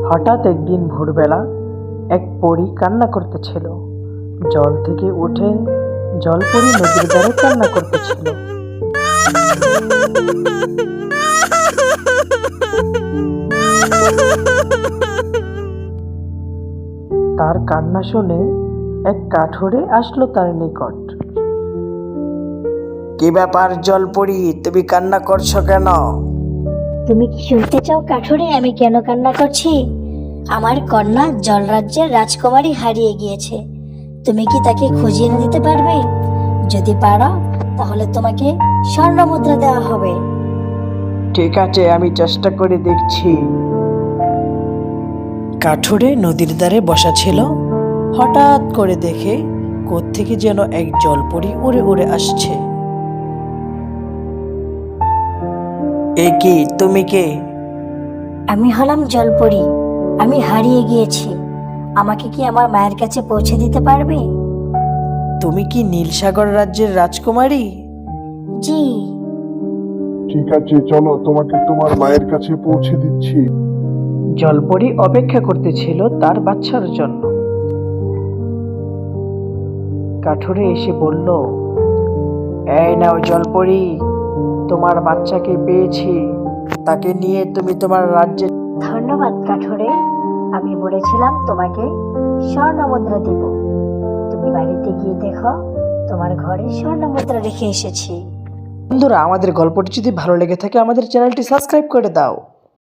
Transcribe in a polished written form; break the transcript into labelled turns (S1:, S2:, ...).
S1: হঠাৎ একদিন ভোরবেলা এক পরী কান্না করতেছিল। জল থেকে উঠে জলপরী নদীর ধারে কান্না করতেছিল। তার কান্না শুনে এক কাঠুরে আসলো তার নিকট। কি ব্যাপার জলপরী, তুমি কান্না করছো কেন?
S2: তুমি কি শুনতে চাও কাঠুরে আমি কেন কান্না করছি? আমার কন্যা জলরাজ্যের রাজকুমারী হারিয়ে গিয়েছে। তুমি কি তাকে খুঁজে এনে দিতে পারবে? যদি পারো তাহলে তোমাকে স্বর্ণ মুদ্রা দেওয়া হবে।
S1: ঠিক আছে, আমি চেষ্টা করে দেখছি। কাঠুরে নদীর ধারে বসা ছিল। হঠাৎ করে দেখে কোত্থেকে যেন এক জলপরী উড়ে উড়ে আসছে। এ কি, তুমি কে?
S2: আমি হলাম জলপরী, আমি হারিয়ে গিয়েছি। আমাকে কি আমার মায়ের কাছে পৌঁছে দিতে পারবে?
S1: তুমি কি নীলসাগর রাজ্যের রাজকুমারী?
S2: জি।
S3: ঠিক আছে, চলো তোমাকে তোমার মায়ের কাছে পৌঁছে দিচ্ছি।
S1: জলপরী অপেক্ষা করতেছিল তার বাচ্চার জন্য। কাঠুরে এসে বলল, এই নাও জলপরী, তোমার বাচ্চাকে পেয়েছি। তাকে নিয়ে তুমি তোমার রাজ্যে।
S2: ধন্যবাদ কাঠুরে, আমি বলেছিলাম তোমাকে স্বর্ণ মুদ্রা দিব। তুমি বাড়িতে গিয়ে দেখো তোমার ঘরে স্বর্ণ মুদ্রা রেখে এসেছি।
S1: বন্ধুরা, আমাদের গল্পটি যদি ভালো লেগে থাকে আমাদের চ্যানেলটি সাবস্ক্রাইব করে দাও।